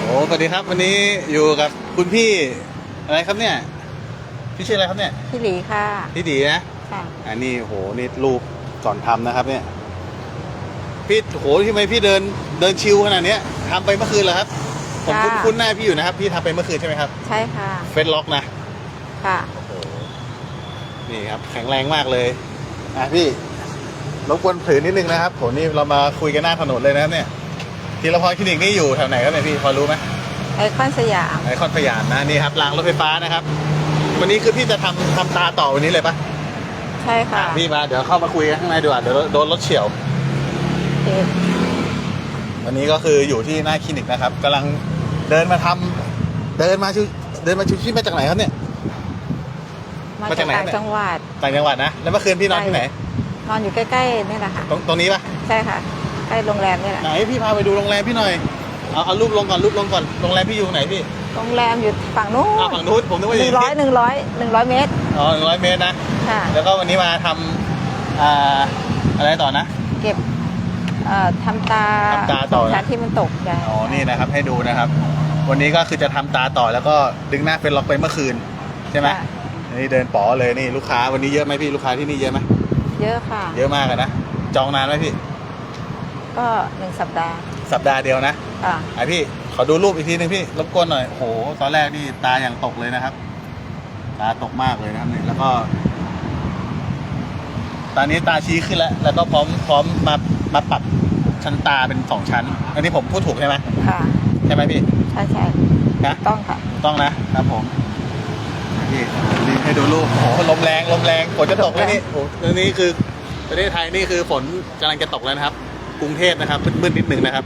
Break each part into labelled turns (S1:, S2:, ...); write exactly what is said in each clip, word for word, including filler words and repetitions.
S1: สวัสดีครับวันนี้อยู่กับคุณพี่อะไรครับเนี่ยพี่ชื่ออะไรครับเนี่ย
S2: พี่หลีค่ะ
S1: พี่ดีนะ
S2: ค่ะ
S1: อันนี้โหนี่รูปก่อนทำนะครับเนี่ยพี่โหทำไมพี่เดินเดินชิวขนาดนี้ทำไปเมื่อคืนเหรอครับผมคุ้นคุ้นหน้าพี่อยู่นะครับพี่ทำไปเมื่อคืนใช่ไหมครับ
S2: ใช่ค่ะ
S1: เฟซล็อกนะ
S2: ค่ะ
S1: นี่ครับแข็งแรงมากเลยอ่ะพี่รบกวนถือนิดนึงนะครับโหนี่เรามาคุยกันหน้าถนนเลยนะครับเนี่ยทีละพรคลินิกนี่อยู่แถวไหนครับเนี่ยพี่พอรู้ไหม
S2: ไอคอนสยาม
S1: ไอคอนสยามนะนี่ครับรางรถไฟฟ้านะครับวันนี้คือพี่จะทำทำตาต่อวันนี้เลยปะ
S2: ใช่ค่ะ
S1: พี่มาเดี๋ยวเข้ามาคุยกันข้างในดีกว่าเดี๋ยวโดนรถเฉี่ยววันนี้ก็คืออยู่ที่หน้าคลินิกนะครับกำลังเดินมาทำเดินมาชิวเดินมาชิวที่มาจากไหนครับเนี่ย
S2: มาจากต่างจังหวัด
S1: ต่างจังหวัดนะแล้วเมื่อคืนพี่นอนที่ไหน
S2: นอนอยู่ใกล้ๆนี่แหละค่ะ
S1: ตรงตรงนี้ปะ
S2: ใช่ค่ะใกล้โรงแรมนี่แหละ
S1: ไหนพี่พาไปดูโรงแรมพี่หน่อยเอาเอารูปลงก่อนรูปลงก่อนโรงแรมพี่อยู่ไหนพี่
S2: โรงแรมอยู่ฝั่งนู้น
S1: ฝั่งนู้นผมนึกว่า
S2: หนึ่งร้อยหนึ่งร้อยหนึ่งร้อยเมตร
S1: อ๋อหนึ่งร้อยเมตรนะ
S2: ค่ะ
S1: แล้วก็วันนี้มาทำอ่าอะไรต่อนะ
S2: เก็บเอ่อทำตา
S1: ทำตาต่อ
S2: ชั้นที่มันตกได้
S1: อ๋อนี่นะครับให้ดูนะครับวันนี้ก็คือจะทำตาต่อแล้วก็ดึงหน้าเฟซล็อกไปเมื่อคืนใช่ไหมนี่เดินป๋อเลยนี่ลูกค้าวันนี้เยอะไหมพี่ลูกค้าที่นี่เยอะไหม
S2: เยอะค่ะ
S1: เยอะมากเลยนะจองนานไหมพี่
S2: ก็หนึ่งสัปดาห์
S1: สัปดาห์เดียวนะ
S2: อ่า
S1: ไอพี่ขอดูรูปอีกทีนึงพี่รบกวนหน่อยโหตอนแรกนี่ตาอย่างตกเลยนะครับตาตกมากเลยนะครับนี่แล้วก็ตอนนี้ตาชี้ขึ้นแล้วแล้วก็พร้อมพร้อมมามาปรับชั้นตาเป็นสองชั้นอันนี้ผมพูดถูกใช่ไหม
S2: ค่ะ
S1: ใช่ไหมพี่
S2: ใช่ใช่
S1: นะ
S2: ต้องค่ะ
S1: ต้องนะครับผมนี่นี่ให้ดูรูปโอ้โหลมแรงลมแรงฝนจะตกแล้วนี่โอ้โหนี่คือประเทศไทยนี่คือฝนกำลังจะตกแล้วนะครับกรุงเทพนะครับมืดๆนิดหนึ่งนะครับ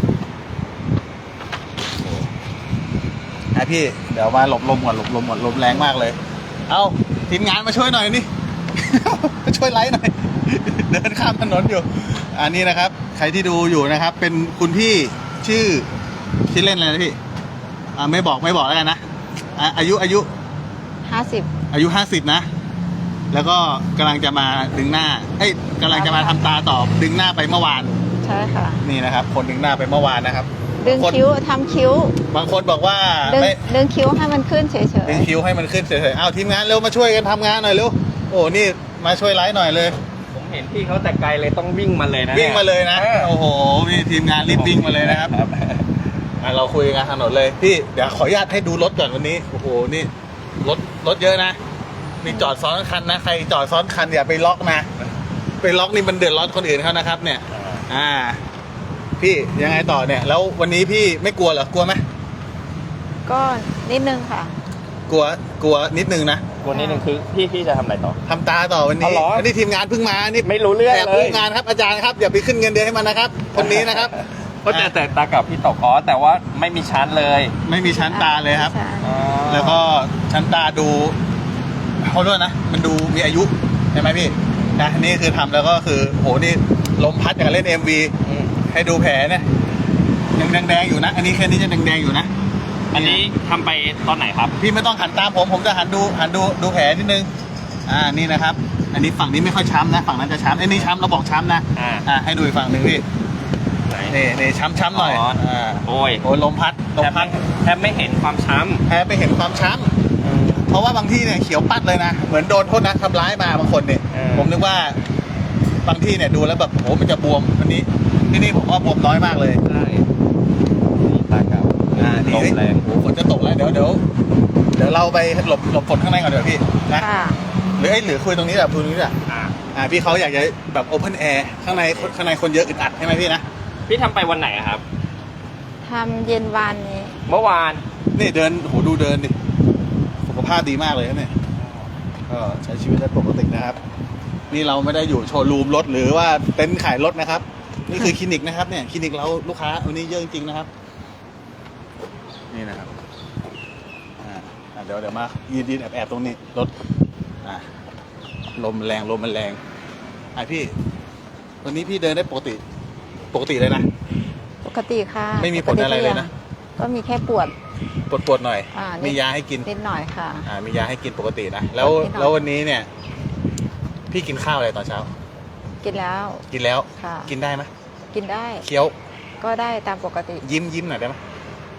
S1: ไอพี่เดี๋ยวมาหลบลมก่อนหลบลมก่อนลมแรงมากเลยเอาทีมงานมาช่วยหน่อยนี่มาช่วยไลฟ์หน่อยเดินข้ามถนนอยู่อันนี้นะครับใครที่ดูอยู่นะครับเป็นคุณพี่ชื่อชื่อเล่นอะไรนะพี่อ่าไม่บอกไม่บอกแล้วกันนะอายุอายุ
S2: ห้าสิบ
S1: อายุห้าสิบนะแล้วก็กำลังจะมาดึงหน้าเอ้ยกำลังจะมาทำตาต่อดึงหน้าไปเมื่อวาน
S2: ใช่ค่ะ
S1: นี่นะครับคนดึงหน้าไปเมื่อวานนะครับ
S2: ดึงคิ้วทำคิ้ว
S1: บางคนบอกว่า
S2: ไม่ดึงคิ้วให้มันขึ้นเฉยๆ
S1: ดึงคิ้วให้มันขึ้นเฉยๆอ้าวทีมงานเร็วมาช่วยกันทำงานหน่อยเร็วโอ้นี่มาช่วยไลฟ์หน่อยเลย
S3: ผมเห็นพี่เขาแต่ไกลเลยต้องวิ่งมาเลยนะ
S1: วิ่งมาเลยนะโอ้โหมีทีมงานรีบวิ่งมาเลยนะครับเราคุยกันถนนเลยพี่เดี๋ยวขออนุญาตให้ดูรถก่อนวันนี้โอ้โหนี่รถรถเยอะนะมีจอดซ้อนคันนะใครจอดซ้อนคันอย่าไปล็อกนะไปล็อกนี่มันเดือดร้อนคนอื่นเขานะครับเนี่ยอ่าพี่ยังไงต่อเนี่ยแล้ววันนี้พี่ไม่กลัวเหรอกลัวไหม
S2: ก็นิดนึงค่ะ
S1: กลัวกลัวนิดนึงนะ
S3: กลัวนิดนึงคือพี่พี่จะทำอะไรต่อ
S1: ทำตาต่อวันนี้อันนี้ทีมงานเพิ่งมานี่
S3: ไม่รู้เรื่องเลย
S1: แอบรู้งานครับอาจารย์ครับอย่าไปขึ้นเงินเดือนให้มันนะครับคนนี้นะครับ
S3: ก็แต่แต่ตากับพี่ตกอ๋อแต่ว่าไม่มีชั้นเลย
S1: ไม่มีชั้นตาเลยครับแล้วก็ชั้นตาดูเขาด้วยนะมันดูมีอายุใช่ไหมพี่นะนี่คือทำแล้วก็คือโหนี่ลมพัดอย่างเล่น เอ็ม วี ให้ดูแผลเนี่ยยังแดงๆอยู่นะอันนี้แค่นี้จะแดงๆอยู่นะ
S3: อันนี้ทำไปตอนไหนครับ
S1: พี่ไม่ต้องหันตามผมผมจะหันดูหันดูดูแผลนิดนึงอ่านี่นะครับอันนี้ฝั่งนี้ไม่ค่อยช้ำนะฝั่งนั้นจะช้ำไอ้นี่ช้ำเราบอกช้ำนะอ่าให้ดูอีกฝั่งหนึ่งพี่นี่นี่ช้ำๆหน่อย
S3: อ่าโอ้ย
S1: โอ้ยลมพัดลมพัด
S3: แทบไม่เห็นความช้ำ
S1: แทบไม่เห็นความช้ำเพราะว่าบางที่เนี่ยเขียวปัดเลยนะเหมือนโดนคนนะทำร้ายมาบางคนเนี่ยผมนึกว่าบางที่เนี่ยดูแล้วแบบโหมันจะบวมวันนี้ที่นี่ผมว่าบวมน้อยมากเลย
S3: ใช่นี่ตากับ
S1: อ่านี่แรงโหฝนจะตกแล้วเดี๋ยวเดี๋ยวเดี๋ยวเราไปหลบหลบฝนข้างในก่อนเดี๋ยวพี่นะหรือไอ้หรือคุยตรงนี้แบบคุยตรงนี้อ่ะอ่าพี่เขาอยากจะแบบโอเพนแอร์ข้างในข้างในคนเยอะอึดอัดใช่ไหมพี่นะ
S3: พี่ทำไปวันไหนครับ
S2: ทำเย็นวานนี้
S3: เมื่อวาน
S1: นี่เดินโหดูเดินดิสุขภาพดีมากเลยเนี่ยก็ใช้ชีวิตได้ปกตินะครับนี่เราไม่ได้อยู่โชว์รูมรถหรือว่าเต็นท์ขายรถนะครับนี่คือคลินิกนะครับเนี่ยคลินิกเราลูกค้าวันนี้เยอะจริงๆนะครับนี่นะครับอ่าเดี๋ยวเดี๋ยวมายืนยืนแอบแอบตรงนี้รถอ่าลมแรงลมมันแรงไอพี่วันนี้พี่เดินได้ปกติปกติเลยนะ
S2: ปกติค่ะ
S1: ไม่มีผลอะไรเลยนะ
S2: ก็มีแค่ปวด
S1: ปวดปวดหน่อยมียาให้กิน
S2: นิดหน่อยค่ะ
S1: อ่ามียาให้กินปกตินะแล้วแล้ววันนี้เนี่ยพี่กินข้าวอะไรตอนเช้า
S2: กินแล้ว
S1: กินแล้ว
S2: ค่ะ
S1: กินได้ไหม
S2: กินได้
S1: เคี้ยว
S2: ก็ได้ตามปกติ
S1: ยิ้มยิ้มหน่อยได้ไหม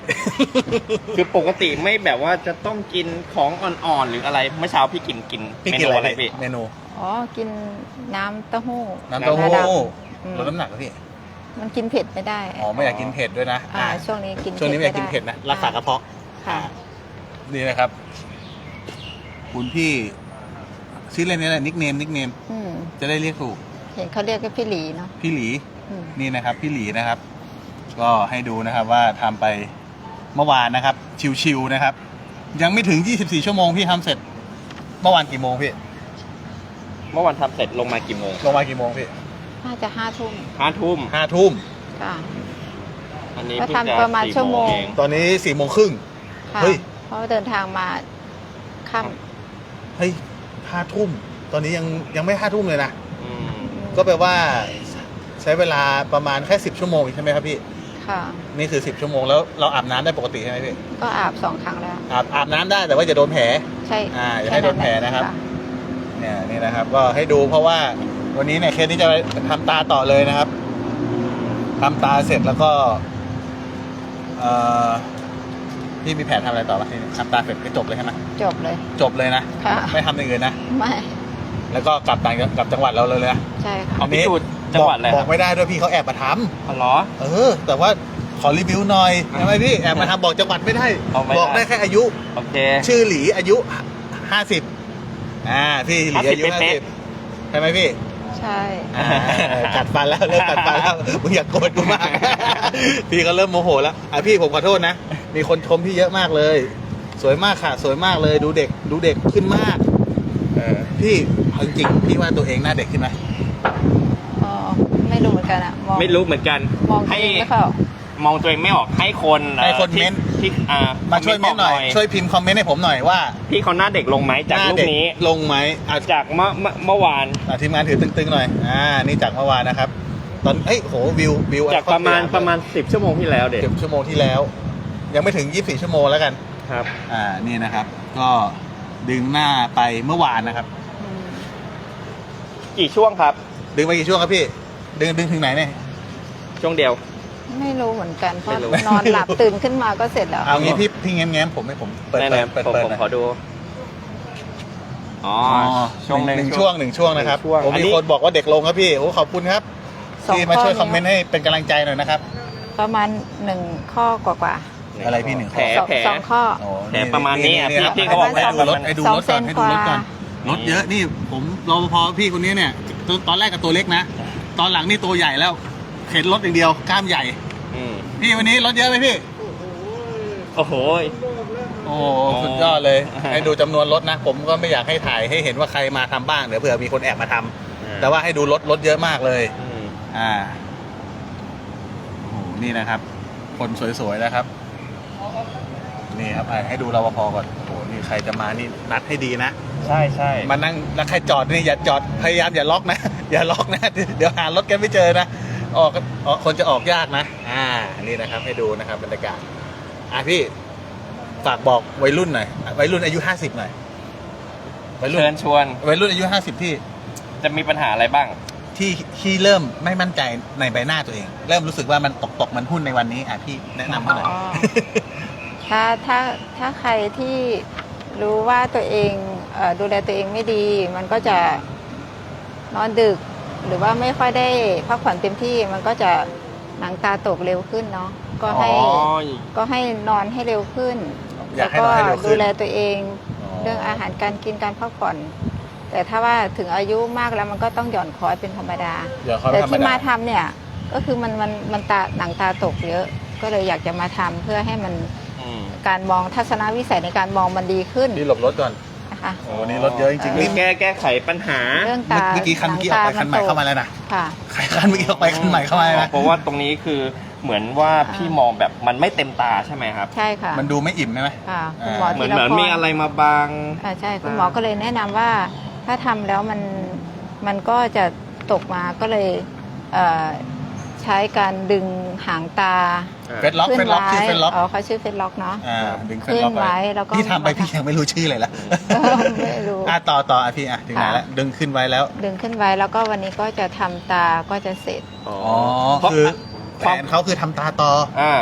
S3: คือปกติไม่แบบว่าจะต้องกินของอ่อนๆหรืออะไรเมื่อเช้าพี่กินกิน
S1: พี่
S3: เม
S1: กิน
S3: นู
S1: อะไร
S3: อะไร
S1: พี่
S3: พี่
S1: เมนู
S2: อ๋อ กินน้ำเต้าหู้
S1: น้ำเต้าหู้
S2: งาดำอืม
S1: ลดน้ำหนักเหรอพี่
S2: มันกินเผ็ดไม่ได้
S1: อ๋อไม่อยากกินเผ็ดด้วยนะ
S2: อ่า
S1: อ่า
S2: ช่วงนี้กิน
S1: ช่วงนี้ไม่อยากกินเผ็ดนะรักษากระเพาะ
S2: ค่ะ
S1: นี่นะครับ คุณพี่ชื่อเล่นนี่แหละนิกเนมนิกเนม
S2: อืม
S1: จะได้เรียกถูก
S2: เห็นเขาเรียกกันพี่หลีเนาะ
S1: พี่หลี
S2: อืม
S1: นี่นะครับ พี่หลีนะครับ ก็ให้ดูนะครับว่าทำไปเมื่อวานนะครับ ชิวๆนะครับ ยังไม่ถึงยี่สิบสี่ชั่วโมงพี่ทำเสร็จ เมื่อวานกี่โมงพี่
S3: เมื่อวันทำเสร็จลงมากี่โมง
S1: ลงมากี่โมงพี่
S2: น่าจะห้าทุ่ม
S3: ห้าทุ่ม
S1: ห้าทุ่ม
S2: ค่ะ
S3: อันนี้
S2: แล้ว
S3: เพิ่งจะ
S2: ทำประมาณ
S3: สี่
S2: ชั่วโมง
S3: เอง
S1: ตอนนี้สี่โมงครึ่ง
S2: ค่ะ
S1: เฮ้ย
S2: เพราะว่าเดินทางมาค่
S1: เฮ้ยห้าทุ่ม ตอนนี้ยังยังไม่ห้าทุ่มเลยนะ
S3: อืม
S2: ำ
S1: ก็แปลว่าใช้เวลาประมาณแค่สิบชั่วโมงใช่ไหมครับพี่
S2: ค่ะ
S1: นี่คือสิบชั่วโมงแล้วเราอาบน้ำได้ปกติใช่ไหมพี่
S2: ก็อาบสองครั้งแล้ว
S1: อาบอาบน้ำได้แต่ว่าอย่าโดนแผล
S2: ใช่
S1: อ่าอย่าให้โดนแผลนะครับ
S2: ค่
S1: เนี่ยนี่นะครับ ก็ให้ดูเพราะว่าวันนี้เนี่ยเคสที่จะทำตาต่อเลยนะครับทำตาเสร็จแล้วก็เอ่อพี่มีแผนทำอะไรต่อปะทีนี้ทำตาเสร็จก็จบเลยใช่ไหม
S2: จบเลย
S1: จบเลยนะ
S2: ค่ะ
S1: ไม่ทำอย่างอื่นนะ
S2: ไม่
S1: แล้วก็กลับต่างกลับจังหวัดเราเลยนะ
S2: ใช่ค่ะ
S3: เอาพี่จูดจังหวัดอะไร
S1: บ
S3: ค
S1: อ
S3: รั
S1: ก
S3: บ
S1: ไม่ได้ด้วยพี่เขาแอบมาท
S3: อ๋อเหรอ
S1: ำเออ แต่ว่าขอรีวิวหน่อยใช่ไหมพี่แอบมาทำบอกจังหวัดไม่ได้
S3: เอาไม่ได้
S1: บอกได้แค่อายุ
S3: โอเค
S1: ชื่อหลีอายุห้าสิบอ่าพี่หลีอายุ
S3: ห้า
S1: ห้า
S3: สิ
S1: สิ
S3: บบ
S1: ใช่ไหมพี่
S2: ใช่
S1: อ่ากัดฟันแล้วเริ่มกัดฟันแล้วมึงอย่าโกรธกูมาก พี่ก็เริ่มโมโหแล้วอ่ะพี่ผมขอโทษนะ มีคนชมพี่เยอะมากเลย สวยมากค่ะ สวยมากเลยดูเด็กดูเด็กขึ้นมากเออพี่เอาจริงๆพี่ว่าตัวเองหน้าเด็กขึ้นไหม
S2: อ๋อ ไม่รู้เหมือนกันอะมอง
S3: ไม่รู้เหมือนกัน
S2: มองตัว
S3: ให้
S2: เองไม่เข้า
S3: มองตัวเองไม่ออกให้คน
S1: ให้คน
S3: ที่
S1: เม้นต์
S3: ที่อ่า
S1: มาช่วยเม้นต์หน่อย ช่วยพิมพ์คอมเมนต์ให้ผมหน่อยว่า
S3: พี่เขาหน้าเด็กลงไหมจาก
S1: หน้า
S3: รูป
S1: เด็ก
S3: นี้
S1: ลงไหมอ่ะ
S3: จากเมื่อเมื่อเมื่อวาน
S1: อ่ะทีมงานถือตึงๆหน่อยอ่านี่จากเมื่อวานนะครับ ตอนเอ้ยโหวิววิว
S3: จากประมาณประมาณสิบชั่วโมงที่แล้วเด็ก
S1: สิบชั่วโมงที่แล้ว ยังไม่ถึงยี่สิบสี่ชั่วโมงแล้วกัน
S3: ครับ
S1: อ่านี่นะครับ ก็ดึงหน้าไปเมื่อวานนะครับ
S2: อืม
S3: กี่ช่วงครับ
S1: ดึงไปกี่ช่วงครับพี่ ดึงดึงถึงไหนเนี่ย
S3: ช่วงเดียว
S2: ไม่รู้เหมือนกัน เพราะ
S3: ไม่รู้
S2: นอนหลับตื่นขึ้นมาก็เสร็จแล้ว
S1: เอางี้พี่พี่แง้มแง้มผมให้ผมเปิด
S3: แน่
S1: เปิด
S3: ๆ
S1: เปิด
S3: ผม
S1: เปิด
S3: ผม
S1: หน่อย
S3: ขอดู อ๋อ
S1: อ๋อ
S3: ช่วง
S1: ห
S3: ห
S1: นึ่ง
S3: นึ่ง
S1: ช่วงหนึ่งช่วงนะครับ
S3: ช่วง
S1: ผม
S3: อัน
S1: มี
S3: นี้
S1: คนบอกว่าเด็กลงครับพี่โอ้ขอบคุณครับ
S2: สอง
S1: ที่มาช่วย
S2: ข้อ
S1: คอมเมนต์ให้เป็นกำลังใจหน่อยนะครับ
S2: ประมาณหนึ่งข้อกว่า
S1: อะไรพี่หนึ่งข้
S3: แผ
S1: อ
S3: ล
S2: ๆสอง
S3: แผล
S2: สองข้อ
S1: โอ้
S3: แผลประมาณนี้อ่ะ
S1: ครับ
S3: พี่เขาบอก
S1: ให้ดูรถ
S3: ประมาณ
S1: ให้ดู
S2: สอง
S1: รถก่อน
S2: เซน
S1: ให้ดูรถก่อน
S2: กว่า
S1: รถเยอะนี่ผมรปภพี่คนนี้เนี่ยตอนตอนแรกกับตัวเล็กนะ ตอนหลังนี่ตัวใหญ่แล้วเข็นรถอย่างเดียวกล้ามใหญ่
S3: อืม
S1: พี่วันนี้รถเยอะไหมพี่
S3: โอ้โห
S1: โอ้โหสุดยอดเลย ให้ดูจำนวนรถนะ ผมก็ไม่อยากให้ถ่ายให้เห็นว่าใครมาทำบ้างเดี๋ยวเผื่อมีคนแอบมาทำแต่ว่าให้ดูรถรถเยอะมากเลย
S3: อืม
S1: อ่าโอ้โหนี่นะครับ คนสวยๆนะครับ นี่ครับอ่ะให้ดูรปภก่อนโอ้โหนี่ใครจะมานี่นัดให้ดีนะ
S3: ใช่ใช่
S1: มานั่งแล้วใครจอดนี่อย่าจอดพยายามอย่าล็อกนะ อย่าล็อกนะ เดี๋ยวหารถกันไม่เจอนะออกออกคนจะออกยากนะ อ่านี่นะครับ ให้ดูนะครับบรรยากาศอ่ะพี่ฝากบอกวัยรุ่นหน่อยวัยรุ่นอายุห้าสิบหน่อยวัยรุ่น
S3: เชิญชวน
S1: วัยรุ่นอายุห้าสิบที่
S3: จะมีปัญหาอะไรบ้าง
S1: ที่ที่เริ่มไม่มั่นใจในใบหน้าตัวเอง เริ่มรู้สึกว่ามันตกตกมันหุ้นในวันนี้อ่ะพี่แนะนำให้หน่อย
S2: อ๋อ ถ้าถ้าถ้าใครที่รู้ว่าตัวเองเอ่อดูแลตัวเองไม่ดี มันก็จะนอนดึก หรือว่าไม่ค่อยได้พักผ่อนเต็มที่ มันก็จะหนังตาตกเร็วขึ้นเนาะก็ให้
S3: อ๋อ
S2: ก็ให้นอนให้เร็วขึ้น
S1: อยากให้นอนให้เร็วขึ้น
S2: ดูแลตัวเอง
S1: อ๋อ
S2: เรื่องอาหารการกินการพักผ่อน แต่ถ้าว่าถึงอายุมากแล้วมันก็ต้องหย่อนคอยเป็นธรรมดา
S1: เดี๋ยวเขา
S2: แต่
S1: ธรรม
S2: ที่
S1: ดา
S2: มาทำเนี่ยก็คือมันมันมันตาหนังตาตกเยอะ ก็เลยอยากจะมาทำเพื่อให้มัน
S3: อืม
S2: การมองทัศนวิสัยในการมองมันดีขึ้น
S1: พี่หลบรถก่อน
S2: นะคะ
S1: โอ้วันนี้รถเยอะจริงๆ
S3: มี
S1: นี่
S3: แก้แก้ไขปัญหา
S2: เรื่องตา
S1: เมื่อกี้คันเมื่อกี้ออกไปคันใหม่เข้ามาแล้วนะ
S2: ค่ะ
S1: ใครคันเมื่อกี้ออกไปคันใหม่เข้ามาแล้วนะ
S3: เพราะว่าตรงนี้คือเหมือนว่าพี่มองแบบมันไม่เต็มตาใช่ไหมครับ
S2: ใช่ค่ะ
S1: มันดูไม่อิ่มใช่ไหม
S2: ค่ะคุณหมอ
S3: เหมือน
S2: ธีร
S3: เหมือน
S2: พร
S3: มีอะไรมาบัง
S2: อ่าใช่คุณหมอก็เลยแนะนำว่าถ้าทำแล้วมันมันก็จะตกมาก็เลยเอ่อใช้การดึงหางตา
S1: เฟซล็อก
S2: ขึ้
S1: เฟ
S2: น
S1: ซล็อก
S2: ไว้
S1: ชื่อเฟซล็อก
S2: อ๋อเขาชื่อเฟซล็อกเนาะ
S1: อ่าดึงเฟซล็อก
S2: ขึ้นไว้แล้วก็
S1: พี่ทำไปพี่ยังไม่รู้ชื่อเลยละ
S2: ไม่รู้
S1: อ่ะต่อต่ออ่ะพี่อ่ะถึงไหน
S2: ค่ะ
S1: แล้วดึงขึ้นไว้แล้ว
S2: ดึงขึ้นไว้แล้วก็วันนี้ก็จะทำตาก็จะเสร็จ
S3: อ๋อ
S1: อ๋อ
S3: เพราะ
S1: คือ
S3: ค
S1: แฟ
S3: วาม
S1: นเขาคือทำตาต่อ
S3: อ่า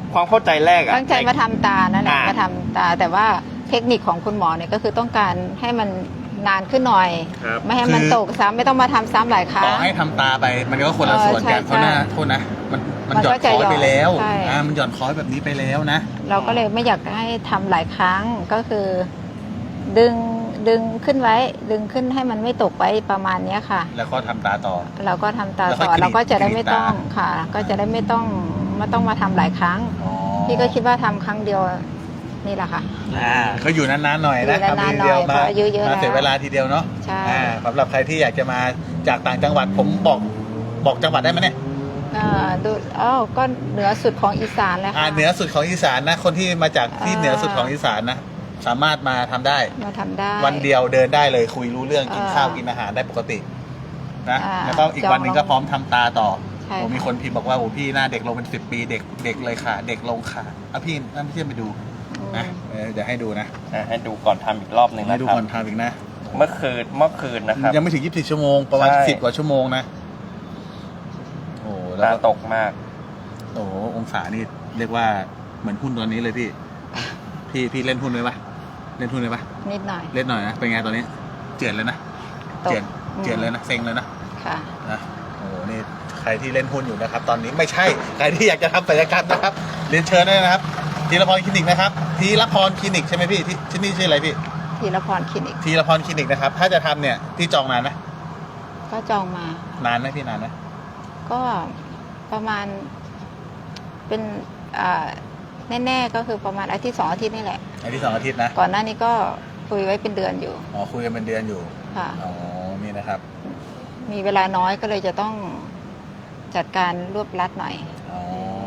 S3: ความเข้าใจแรกอะ
S2: ตั้งใจมาทำตานั่นแหละ
S3: อ่าม
S2: มาทำตาแต่ว่าเทคนิคของคุณหมอเนี่ยก็คือต้องการให้มันนานขึ้นหน่อย
S3: ครับ
S2: ไม่ให้มัน
S1: คือ
S2: ตกซ้ำไม่ต้องมาทำซ้ำหลายครั้
S1: ต่อง ให้ทำตาไปมันก็คนละส่วนกัน
S2: เออใช่
S1: เพราะหน้าโทษนะมันมัน
S2: มัน
S1: หย่อ
S2: ก็
S1: น
S2: จะ
S1: คอยไปแล้ว
S2: ใช่
S1: อ่ามันหย่อนคอยแบบนี้ไปแล้วนะ
S2: เราก็เลยไม่อยากให้ทำหลายครั้งก็คือ ดึงดึงขึ้นไว้ ดึงขึ้นให้มันไม่ตกไว้ประมาณเนี้ยค่ะ
S1: แล้วก็ทำตาต่อ
S2: เราก็ทำตา
S1: แล้วค่
S2: ต่
S1: อย
S2: อก
S1: รีด
S2: เราก็จะได้
S1: กรีด
S2: ไม่ต้อง
S1: ตา
S2: ค่ะ ก็จะได้ไม่ต้องไม่ต้องมาทำหลายครั้ง
S1: อ๋อ
S2: พี่ก็คิดว่าทำครั้งเดียวนี่แหละค่ะ
S1: อ่าก็อยู่นานๆหน่อยนะ
S2: อยู่นานๆ
S1: ทำทีเดียว
S2: หน่อยเพราะอายุเยอะ
S1: มาเสีย
S2: แล้ว
S1: เวลาทีเดียวเนาะ
S2: ใช่
S1: อ่าสำหรับใครที่อยากจะมาจากต่างจังหวัดผมบอกบอกจังหวัดได้ไหมเนี่ย
S2: อ่าดูอ๋อก็เหนือสุดของอีสานเลย
S1: อ่า
S2: ค่ะ
S1: เหนือสุดของอีสานนะคนที่มาจากที่
S2: อ่า
S1: เหนือสุดของอีสานนะสามารถมาทำได้
S2: มาทำได้
S1: วันเดียวเดินได้เลยคุยรู้เรื่องกิน
S2: อ่า
S1: ข้าวกินอาหารได้ปกตินะ
S2: อ่า
S1: แล้วก็อีกวันหนึ่งก็พร้อมทำตาต่อ
S2: ใช่
S1: โอ้มี
S2: ค่ะ
S1: คนพิมพ์บอกว่าโอ้พี่หน้าเด็กลงเป็นสิบปีเด็กเด็กเลยค่ะ เด็กลงค่ะเอาพี่นั่นพี่เชื่อไปดู
S2: อืม
S1: นะเออเดี๋ยวให้ดูนะ
S3: อ่ะให้ดูก่อนทำอีกรอบหนึ่ง
S1: ให้
S3: นะ
S1: ดู
S3: ครับ
S1: ก่อนทำอีกนะ
S3: เมื่อคืนเมื่อคืนนะครับ
S1: ยังไม่ถึงยี่สิบสี่ชั่วโมงประมาณ
S3: ใช่
S1: สิบกว่าชั่วโมงนะโอ้แล้
S3: ตาว
S1: ก็
S3: ตกมาก
S1: โอ้องศานี่เรียกว่าเหมือนหุ้นตอนนี้เลยพี่ พี่พี่เล่นหุ้นเลยปะเล่นหุ้นเลยปะ
S2: นิดหน่อย
S1: เล่นหน่อยนะเป็นไงตอนนี้ เจือนเลยนะ
S2: ตก
S1: เจือน
S2: อืม
S1: เจือนเลยนะเซ็งเลยนะ
S2: ค่ะ
S1: นะโอ้โหนี่ใครที่เล่นหุ้นอยู่นะครับ ตอนนี้ไม่ใช่ใครที่อยากจะทำศัลยกรรมนะครับเรียนเชิญได้นะครับทีละพรคลินิกนะครับทีละพรคลินิกใช่ไหมพี่ที่ที่นี่ชื่ออะไรพี่
S2: ทีละพรคลินิก
S1: ทีละพรคลินิกนะครับถ้าจะทำเนี่ยที่จองนานนะ
S2: ก็จองมา
S1: นานไหมพี่นานไหม
S2: ก็ประมาณเป็นอ่าแน่ๆก็คือประมาณอาทิตย์สองอาทิตย์นี่แหละ
S1: อาทิตย์สองอาทิตย์นะ
S2: ก่อนหน้านี้ก็คุยไว้เป็นเดือนอยู่
S1: อ๋อคุยกันเป็นเดือนอยู่
S2: ค่ะ
S1: อ๋อนี่นะครับ
S2: มีเวลาน้อยก็เลยจะต้องจัดการรวบรัดหน่อย
S1: อ๋อ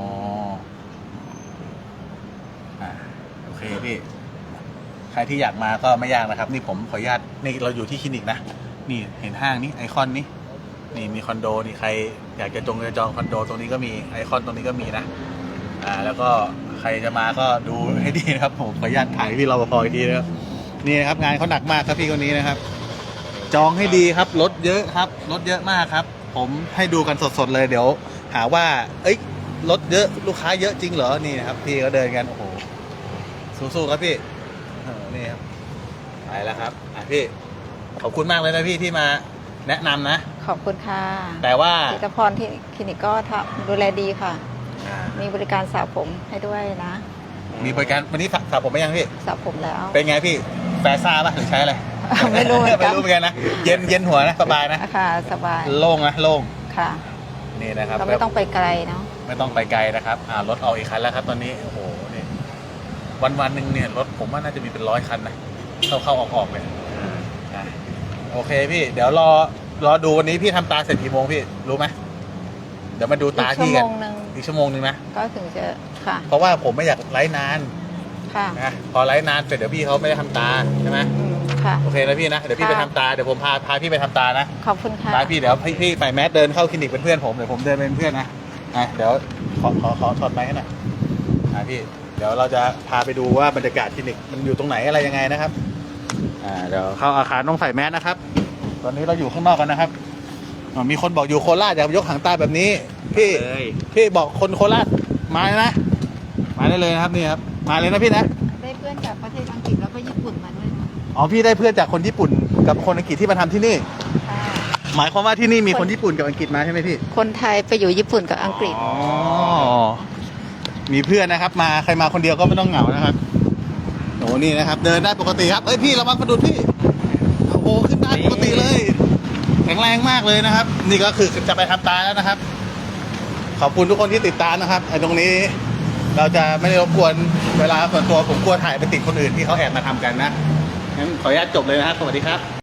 S1: อ่ะโอเคพี่ใครที่อยากมาก็ไม่ยากนะครับ นี่ผมขออนุญาตนี่เราอยู่ที่คลินิกนะนี่เห็นห้างนี้ไอคอนนี้นี่มีคอนโดนี่ใครอยากจะจงจะจองคอนโดตรงนี้ก็มีไอคอนตรงนี้ก็มีนะอ่าแล้วก็ใครจะมาก็ดูให้ดีนะครับผมขออนุญาตถ่ายพี่รปภอีกทีนะครับนี่นะครับงานเขาหนักมากครับพี่คนนี้นะครับ จองให้ดีครับรถเยอะครับรถเยอะมากครับ ผมให้ดูกันสดๆเลยเดี๋ยว หาว่า เอ้ยรถเยอะลูกค้าเยอะจริงเหรอนี่นะครับพี่ก็เดินกันโอ้โหสู้ๆครับพี่เออนี่ครับไปแล้วครับอ่ะพี่ขอบคุณมากเลยนะพี่ที่มาแนะนำนะ
S2: ขอบคุณค่ะ
S1: แต่ว่า
S2: ทีละพรที่คลินิกก็ทำดูแลดีค่ะ
S1: อ่า
S2: มีบริการสระผมให้ด้วยนะ
S1: มีบริการวันนี้สระสระผมไหมยังพี่
S2: สระผมแล้ว
S1: เป็นไงพี่แฟซ่าป่ะหรือใช้อะไร
S2: ไม่รู้เหมือนกัน
S1: ไม่รู้เหมือนกันนะเย็นเย็นหัวนะสบายนะ
S2: ค่ะสบาย
S1: โล่งนะโล่ง
S2: ค่ะ
S1: นี่นะครับ
S2: เราไม่ต้องไปไกลเนาะ
S1: ไม่ต้องไปไกลนะครับ อ่ารถออกอีกคันแล้วครับ ตอนนี้ โอ้โห นี่ วันวันๆหนึ่งเนี่ยรถผมว่าน่าจะมีเป็นร้อยคันนะ เข้าเข้าออกออกเลยอ่ะโอเคพี่ เดี๋ยวรอ รอดูวันนี้พี่ทำตาเสร็จกี่โมงพี่ รู้ไหม เดี๋ยวมาดู
S2: อี
S1: ตาก
S2: ชั่ว
S1: พี่
S2: โม
S1: กัน
S2: งหนึ่ง
S1: อีกชั่วโมงหนึ่งนะ
S2: ก็ถึงจะค่ะ
S1: เพราะว่าผมไม่อยากไลฟ์นาน
S2: ค่ะ
S1: นะ พอไลฟ์นานเสร็จเดี๋ยวพี่เขาไม่ได้ทำตาใช่ไหม
S2: อืมค่ะ
S1: โอเคนะพี่นะ เดี๋ยวพี่ไป
S2: ค่ะ
S1: ทำตา เดี๋ยวผมพาพาพี่ไปทำตานะ
S2: ขอบคุณค่ะ
S1: พาพี่เดี๋ยวพี่พี่ใส่แมสเดินเข้าคลินิกเป็นเพื่อนผม เดี๋ยวผมเดินเป็นเพื่อนนะอ่ะเดี๋ยวขอขอขอถอดไมค์ให้หน่อยอ่ะพี่ เดี๋ยวเราจะพาไปดูว่าบรรยากาศคลินิกมันอยู่ตรงไหนอะไรยังไงนะครับ อ่าเดี๋ยวเข้าอาคารต้องใส่แมสนะครับ ตอนนี้เราอยู่ข้างนอกกันนะครับอ๋อมีคนบอกอยู่โคราชอยากยกหางตาแบบนี้ พี่
S3: เลย
S1: พี่บอกคนโคราชมาเลยนะ มาได้เลยนะครับนี่ครับ มาเลยนะพี่นะ
S2: ได้เพื่อนจากประเทศอังกฤษแล้วก็ญี่ปุ่นมาด้วยนะ
S1: อ๋อพี่ได้เพื่อนจากคนญี่ปุ่นกับคนอังกฤษที่มาทำที่นี่
S2: ค่ะ
S1: หมายความว่าที่นี่มีคนญี่ปุ่นกับอังกฤษมาใช่ไหมพี่
S2: คนไทยไปอยู่ญี่ปุ่นกับอังกฤษ
S1: อ๋อ มีเพื่อนนะครับ มาใครมาคนเดียวก็ไม่ต้องเหงานะครับโอ้นี่นะครับ เดินได้ปกติครับเอ้ยพี่ระวังกระดุดพี่โอ้โหขึ้นได้ปกติเลย แข็งแรงมากเลยนะครับ นี่ก็คือจะไปทำตาแล้วนะครับ ขอบคุณทุกคนที่ติดตามนะครับไอ้ตรงนี้เราจะไม่ได้รบกวนเวลาส่วนตัวผมกลัวถ่ายไปติดคนอื่นที่เขาแอบมาทำกันนะงั้นขออนุญาตจบเลยนะครับสวัสดีครับ